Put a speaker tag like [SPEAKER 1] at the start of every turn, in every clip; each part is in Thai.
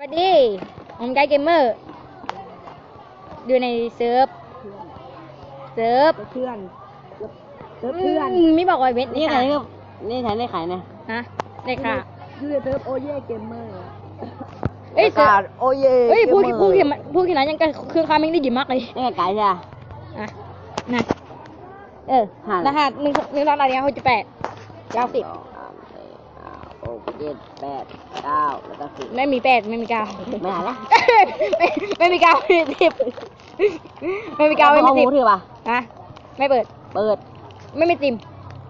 [SPEAKER 1] วัสดีผมไกด์เกมเมอร์ดูในเซิร์ฟเพื่อนไม่บอกว่าเว็บ
[SPEAKER 2] นี่ใครนี่ฉันได้ขายนะ
[SPEAKER 1] ฮะได้ค่ะ
[SPEAKER 2] ยูเซิร์ฟโอเย่เกมเมอร์
[SPEAKER 1] เอ้ย
[SPEAKER 2] โอเย่
[SPEAKER 1] เฮ้ยพูดขนาดยังก็คือคามิงได้ดีมากเลย
[SPEAKER 2] นี่ขายใช่ไหม
[SPEAKER 1] นะรหัส1 2 3 4 5 6 7 8 9 10
[SPEAKER 2] 6 7 8 9แล้วก็10
[SPEAKER 1] ไม่มี8ไม่มี9
[SPEAKER 2] ไม่หายละ
[SPEAKER 1] ไม่มี9ไม่มี10ไม่มี9ไม่มี10
[SPEAKER 2] ถือป่ะ
[SPEAKER 1] ไม่เปิดไม่มีติม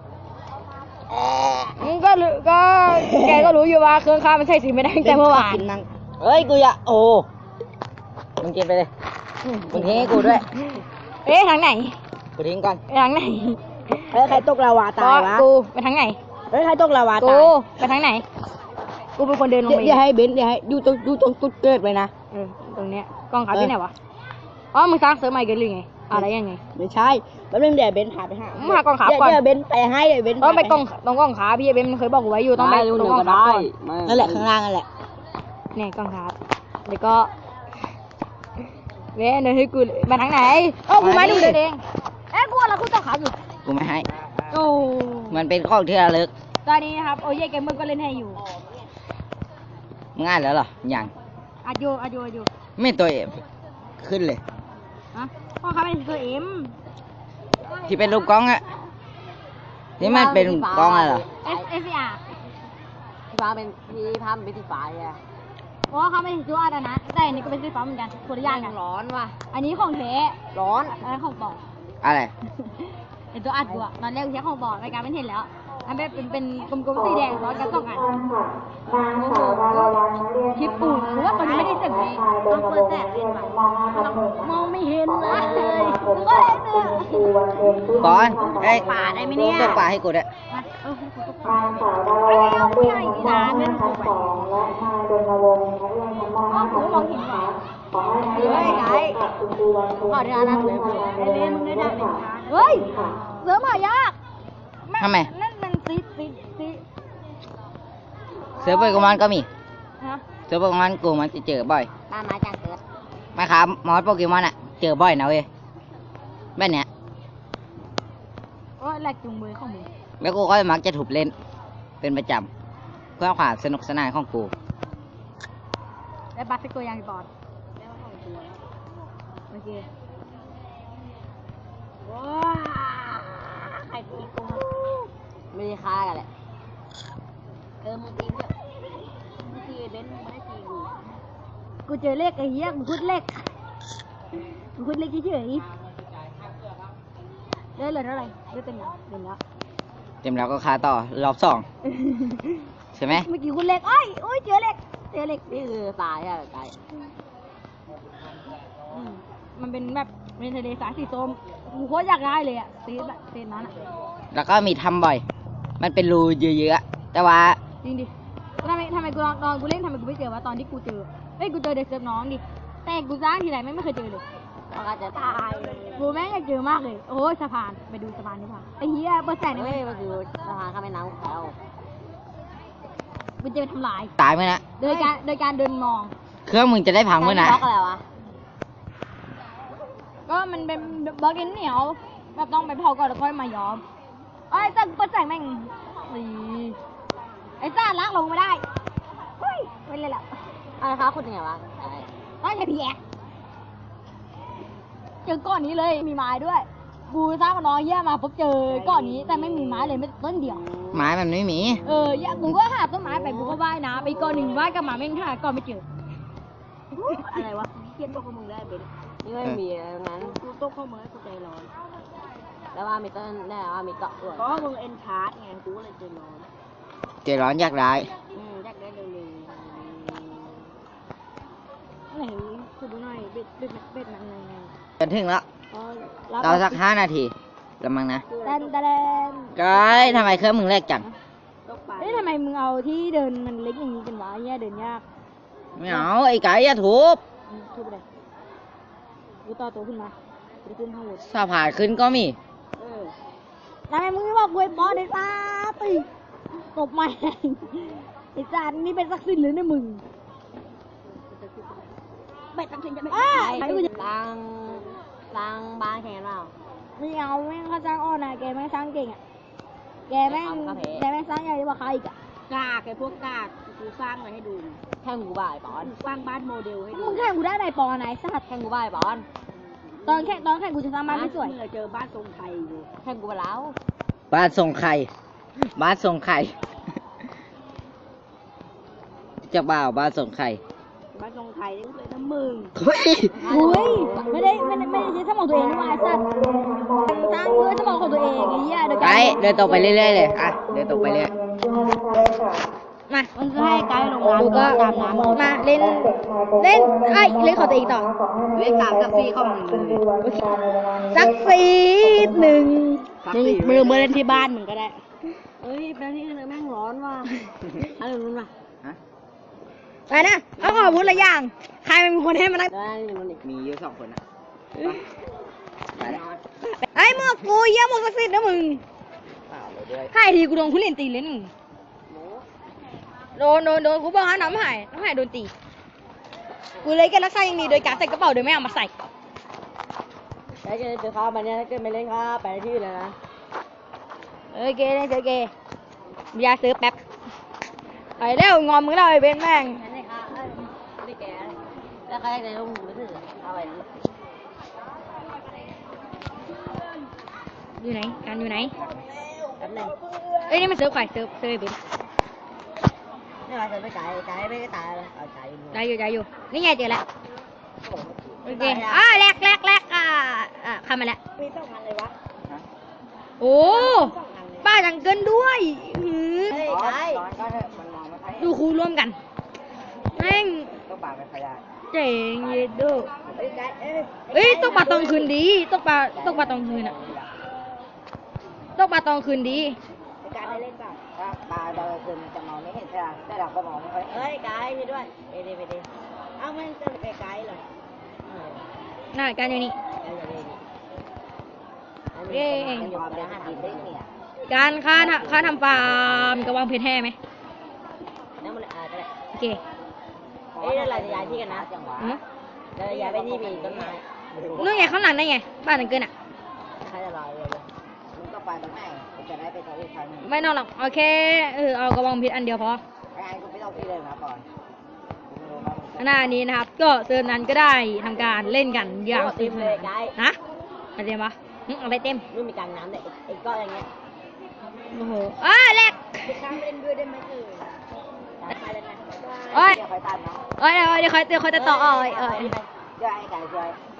[SPEAKER 1] ก็แกก็รู้อยู่ว่าเครื่องข้าวมันใช้สีไม่ได้แต่เมื่อวาน
[SPEAKER 2] เฮ้ยกูอย่าโอ้มึงกินไปเลยมึงทิ้งให้กูด้วย
[SPEAKER 1] ทางไหน
[SPEAKER 2] กูทิ้งก่อน
[SPEAKER 1] ทางไหน
[SPEAKER 2] ใครตกลาวาตายวะ
[SPEAKER 1] กูไปทางไหน
[SPEAKER 2] ใครตกลาวาตาย
[SPEAKER 1] กูไปทางไหนกูเป็นคนเดินลงไป
[SPEAKER 2] เดี๋ยวให้เบนซ์เดี๋ยวให้ดูตรงตุ๊ดเกิดไปนะ
[SPEAKER 1] ตรงเนี้ยกล้องขาที่ไหนวะอ๋อมึงสร้างเสริมใหม่กันหรือไงอะไรยังไง
[SPEAKER 2] ไม่ใช่แล้วเดี๋ยวเบนซ์หาไปห
[SPEAKER 1] ากล้องขาก่อน
[SPEAKER 2] เดี๋ยวเบนซ์ไปให้เดี๋ยวเบนซ์
[SPEAKER 1] ต้องไปกล้องขาพี่เบนซ์เคยบอกกูไว้อยู่ต้องไปตรงกล้องขาก่อน
[SPEAKER 2] นั่นแหละข้างล่างนั่นแหละ
[SPEAKER 1] เนี่ยกล้องขาแล้วก็เว้ยเดินให้กูมาทางไหนกูไม่ดูเดินเองกูอะไรกูต้องขาอยู่
[SPEAKER 2] กูไม่ให้
[SPEAKER 1] โอ้
[SPEAKER 2] มันเป็นข้อที่ระลึก
[SPEAKER 1] ตอนนี้นะครับโอ้ยเกมเมอร์ก็เล่นให้อยู่
[SPEAKER 2] ง่ายแล้วเหรอยัง
[SPEAKER 1] อายุ
[SPEAKER 2] ไม่ตัวเอ็มขึ้นเลย
[SPEAKER 1] พ่อเขาเป็นตัวเอ็ม
[SPEAKER 2] ที่เป็นรูปกล้องอะที่มันเป็นกล้องอะไรเหรอ
[SPEAKER 1] SSR
[SPEAKER 2] ที่ฟ้าเป็นที่ภาพเป็นสีฟ้าใช่ไหม
[SPEAKER 1] เพราะเขาไม่ใช่ตัวอะไรนะแต่อันนี้ก็เป็นสีฟ้าเหมือนกันคนละอย่างกัน
[SPEAKER 2] ร้อนว่ะ
[SPEAKER 1] อันนี้ของแท้
[SPEAKER 2] ร้อน
[SPEAKER 1] อันนั้นของปลอม
[SPEAKER 2] อะไร
[SPEAKER 1] เป็นตัวอัดบัวตอนแรกใช้ของปลอมรายการไม่เห็นแล้วอันเป็นกลมๆสีแดงร้อนกัน2 อันโอ้โหคลิปปูหรือว่าตอนนี้ไม่ได้เสียงเลยต้องเปิดแสงเล่นไปมองไม่เห็นเลยก็เห็นเลย
[SPEAKER 2] ก่อน
[SPEAKER 1] ป่าได้ไหมเนี่ย
[SPEAKER 2] ตกป่าให้กูด้วย
[SPEAKER 1] นางสาวดาวรนักเรียนชั้นม.2และนายรณรงค์นักเรียนชั้นม.5ขอให้นักเรียนกับคุณครูวันเพ็ญที่นั่งทำการเรียนรู้ค่ะเฮ้ยเสือหายาก
[SPEAKER 2] ทำไม
[SPEAKER 1] นั่นมันซี
[SPEAKER 2] เสือโปเกมอนก็มีเสือโปเกมอนกูมันจะเจอบ่อย
[SPEAKER 1] มาจากเสือ
[SPEAKER 2] ไม่ครับมอสโปเกมอนอะเจอบ่อยนะเว้ยแบบเนี้ย
[SPEAKER 1] โอ้ยแหลกจุงมือของมึง
[SPEAKER 2] แล้วกูก็มักจะถูกเล่นเป็นประจำเพื่อความสนุกสนานของกู
[SPEAKER 1] และบัตรเป็นตัวอย่างบอดโอเคว้าใครตีกู
[SPEAKER 2] ไม่ได้ฆ่ากันแหละ
[SPEAKER 1] มึงตีเพื่อนมึงตีเบนซ์มึงไม่ได้ตีกูเจอเลขไอ้เหี้ยมึงพูดเลขเฉยๆได้เลยเท่าไหร่ได้เต็มแล้ว
[SPEAKER 2] เต็มแล้วก็ฆ่าต่อรอบ2ใช่ไหม
[SPEAKER 1] เมื่อกี้คุณเลขโอ้ยเจอเลข
[SPEAKER 2] นี่คือตายใช่ไหมตาย
[SPEAKER 1] มันเป็นแบบเป็นทะเลสาบสีส้มกูโคตรอยากได้เลยอะเซนนั้นอะ
[SPEAKER 2] แล้วก็มีทำบ่อยมันเป็นรูเยอะๆแต่ว่า
[SPEAKER 1] จริงดิทำไมกูลองกูเล่นทำไมกูไม่เจอวะตอนที่กูเจอกูเจอเด็กเซิร์ฟน้องดิแต่กูสร้างทีไรไม่เคยเจอเลย
[SPEAKER 2] ก็จะตาย
[SPEAKER 1] กูแม่งอยากเจอมากเลยโอ้ยสะพานไปดูสะพานดีกว่าไอ้เหี้ยเบอร์แสนนี่
[SPEAKER 2] มันคือสะพานข้ามแม่น้ำแล้ว
[SPEAKER 1] มันจะไปทำลาย
[SPEAKER 2] ตายไหมนะ
[SPEAKER 1] โดยการเดินมอง
[SPEAKER 2] เครื่องมึงจะได้พังเมื่อไหร่
[SPEAKER 1] บล็อกอะไรวะก็มันเป็นบล็อกดินเหนียวแบบต้องไปเผาก่อนแล้วค่อยมาย้อมแต่เปิดแสงแม่งไอ้ซ่าล้างลงไม่ได้เฮ้ยไม่เลยแหละ
[SPEAKER 2] อะไรคะคุณยังไงวะ
[SPEAKER 1] ต้องอย่าเพี้ยเจอก้อนนี้เลยมีไม้ด้วยกูสร้างน้องเยี่ยมาพบเจอก้อนนี้แต่ไม่มีไม้เลยไม่ต้นเดียว
[SPEAKER 2] ไม้มันไม่มี
[SPEAKER 1] กูก็หาต้นไม้ไปกูก็ว่ายน้ำไปก้อนหนึ่งว่ายกับหมาแม่งหาก้อนไม่เจออะไรวะเทียนตัวของมึงได้เป็น
[SPEAKER 2] นี่ไม่มีงั้น
[SPEAKER 1] กูตกข้อมือกูใจร้อน
[SPEAKER 2] แล้วว่ามีต้นแน่ว่ามีเกาะด้วย
[SPEAKER 1] เพราะมึงเอ็นชาร์ดไงกูเลยใจ
[SPEAKER 2] ร้อนอยากได้
[SPEAKER 1] อยากได้เร็วไหนคุณดูหน่อยเบ็ดมันอะไรไง
[SPEAKER 2] กันถึงแล้วรอสัก5 นาทีละมั้งนะก้อยทำไมเครื่องมึงเล็กจัง
[SPEAKER 1] ทำไมมึงเอาที่เดินมันเล็กอย่างนี้กันวะเนี่ยเดินยาก
[SPEAKER 2] ไม่เอาไอ้ไก่อย่าทุบ
[SPEAKER 1] ไปเลยกูต่อตัวขึ้นมาจะขึ้นข้างบน
[SPEAKER 2] สะพานขึ้นก็มี
[SPEAKER 1] ทำไมมึงไม่บอกกูไอ้บอสไอ้ตาตีตบมาไอ้จานนี่เป็นซักซินหรือในมึงเป็ดตังสินจะไม่
[SPEAKER 3] ใครกูจะสร้างบ้านแข่งกันเปล่า
[SPEAKER 1] ไม่เอาแม่งเขาสร้างอ้อนนะแกแม่งสร้างเก่งอ่ะแกแม่งสร้างใหญ่กว่าใครอีกอ่ะ
[SPEAKER 3] กากไอ้พวกกากกูสร้างอะไรให้ดูแข่งกูบ่ายปอนสร้างบ้านโมเดลให้ดู
[SPEAKER 1] มึงแข่งกูได้ไหนปอไหนสัตว์
[SPEAKER 3] แข่งกูบ่ายปอน
[SPEAKER 1] ตอนแข่งกูจะสร้างบ้านไม่สวย
[SPEAKER 3] เจอบ้านทรงไทยอยู่แข่งกูไปแล้ว
[SPEAKER 2] บ้านทรงไข่บ้านทรงไข่จะบ่าวบ้านทรงไข่
[SPEAKER 3] บ้านทรงไทยนี่เลยนะมึง
[SPEAKER 2] เฮ้ย
[SPEAKER 1] อุ้ยไม่ได้ใช้สมองตัวเองด้วยไอ้สัตว์สร้างเพื่อสมองของตัวเองไอ้เหี้ยเดี๋ยว
[SPEAKER 2] ไกด์เดินตรงไปเรื่อยๆเลยอ่ะเดินตรงไปเรื่อย
[SPEAKER 1] มา
[SPEAKER 3] มันก็ให้ไกด์ลงน้ำ
[SPEAKER 1] กูก็
[SPEAKER 3] ตามน้ำ
[SPEAKER 1] มาเล่นของตัวเองต่อ
[SPEAKER 2] เลข3กับ4ของมึงเลย
[SPEAKER 1] สักซีดหนึ่ง
[SPEAKER 3] มึงมาเล่นที่บ้านมึงก็ได้เฮ้ยแป๊บนี้แม่งร้อนว่ะอะไรนู้นว่ะ
[SPEAKER 2] ฮะ
[SPEAKER 1] ไปนะเอาขอพูดละอย่าง ใครเป็นคนให้มานั่ง
[SPEAKER 3] ได้มันอีก
[SPEAKER 2] มีเยอะ2คนอ่ะไปแล้ว
[SPEAKER 1] ไอ้หมวกกูเยี่ยหมวกศักดิ์สิทธิ์นะมึง
[SPEAKER 2] เปล่าเลยด้วย
[SPEAKER 1] ใครทีกูโดนคุณเล่นตีเล่นมึงโดนกูบอกให้น้ำหายโดนตี กูเลยแค่รักษาอย่างดีโดยการใส่กระเป๋าโดยไม่เอามาใส่
[SPEAKER 3] ได้เจอข้าวมาเนี่ยถ้าเกิดไม่เล่นข้าวไปที่อื่นเลยนะ
[SPEAKER 1] เกเลยเกยาซื้อแป๊บไปเร็วงอมมึงแล้วไอ้เบนแม่ง
[SPEAKER 3] ไม่ได้ข้าวไม่ได้แก่แล้วใครจะลงมือถือเอาไป
[SPEAKER 1] อยู่ไหนกันอยู่ไหน
[SPEAKER 3] แป๊บนึง
[SPEAKER 1] เอ้ยนี่มันเซิร์ฟใครเซิร์ฟไอ้เบน
[SPEAKER 3] นี่มาจะไม่ไกลไม่ได้ตายเลยเอาไกล
[SPEAKER 1] ได้อยู่นี่ไงเจอแล้วโอเคแลกเข้ามาแล้ว
[SPEAKER 3] มีต้องพันเลยวะ
[SPEAKER 1] โอ้ป้าจังเกินด้วยหือ
[SPEAKER 3] เฮ้ยไกล
[SPEAKER 2] ร้อนก็เถอะมันมองไม่ค่อย
[SPEAKER 1] ดูครูร่วมกันแม่ง
[SPEAKER 2] ต้องปากไม่ค่อยได้
[SPEAKER 1] เจ๋งเยดโด
[SPEAKER 3] เฮ้ยไกล
[SPEAKER 1] เอ้ยตกปลาตองคืนดีตกปลาตองคืนอะตกปลาตองคืนดี
[SPEAKER 3] ไกลได้เล่นป่ะ
[SPEAKER 2] ถ้าปลาตอนกลางคืนมันจะมองไม่เห็นใช่ไหมแต่เราก็มองไม่ค่อยเห็น
[SPEAKER 3] เฮ้ยไกลนี่ด้วยไปดิเอามันจะไปไกลเหรอ
[SPEAKER 1] น่าการอยู่นี่
[SPEAKER 2] มันอยู่กับอาหารกินได้เนี่ย
[SPEAKER 1] การค่าทำฟาร์มกระวังเพชรแห่ไหม
[SPEAKER 3] นั่นมันก็ได้
[SPEAKER 1] โอเค
[SPEAKER 3] เอ้ยแล้วเราจะย้ายที่กันนะ
[SPEAKER 2] จังหวะ
[SPEAKER 1] หือ
[SPEAKER 3] เราจะย้ายไปที่มีต้นไม้
[SPEAKER 1] นู่นไงข้างหลังได้ไงบ้านจังเกินอะ
[SPEAKER 3] ใครจะรอเลย
[SPEAKER 2] มึงก็ไปตรงไหนกูจะได้ไปตรงอีกครั้งหนึง
[SPEAKER 1] ไม่นอนหรอกโอเคเอากระวังเพชรอันเดียวพอ
[SPEAKER 2] ไอ้กูไม่ต้องพี่เลยนะก่อนกูไม่รู้ว่ามึง
[SPEAKER 1] หน้านี้นะครับ ก็เซิร์ฟนั้นก็ได้ทำการเล่นกันอย่างสนุกสนานนะอะไรเต็มปะอะไรเต็ม
[SPEAKER 3] ไม่มีกลางน้ำเลยไอ้ก้อนอย่างเงี้ย
[SPEAKER 1] โอ้โหแลก
[SPEAKER 3] ไปข้ามเล่นด้วยได้ไหมไปเลยนะ
[SPEAKER 1] โอ้ย
[SPEAKER 2] เดี๋ยวคอยตัดเนาะ
[SPEAKER 1] เดี๋ยวคอยจะต่อ
[SPEAKER 2] เดี๋ยวไอ้ไก่ช่วย